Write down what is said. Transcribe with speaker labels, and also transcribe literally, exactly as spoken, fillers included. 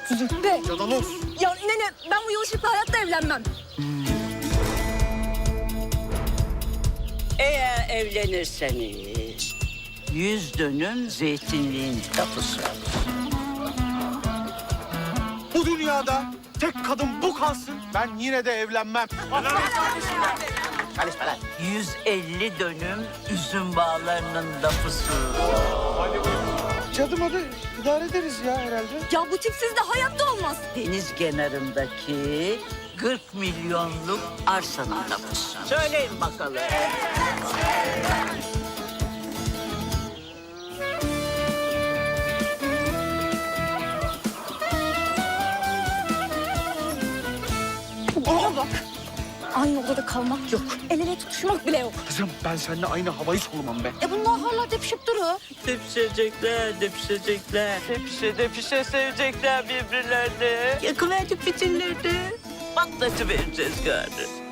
Speaker 1: Züppe.
Speaker 2: Cadaloz.
Speaker 1: Ya nene ben bu yılışıkla hayatta evlenmem.
Speaker 3: Eğer evlenirseniz yüz dönüm zeytinliğin tapusu.
Speaker 2: Bu dünyada tek kadın bu kalsın. Ben yine de evlenmem.
Speaker 3: Karışma lan. yüz elli dönüm üzüm bağlarının tapusu.
Speaker 2: Cadım adı idare ederiz ya herhalde.
Speaker 1: Ya bu tipsiz de hayatta olmaz.
Speaker 3: Deniz kenarındaki kırk milyonluk arsanın tapusu. Söyleyin bakalım.
Speaker 1: Bana bak. Aynı odada kalmak yok. El ele tutuşmak bile yok.
Speaker 2: Kızım ben seninle aynı havayı solumam be.
Speaker 1: E bunlar hala tepişip duruyor.
Speaker 3: Depişecekler, depişecekler. Depişe depişe sevecekler birbirlerini. Yakıverdik fitilleri. Patlatıvereceğiz gari.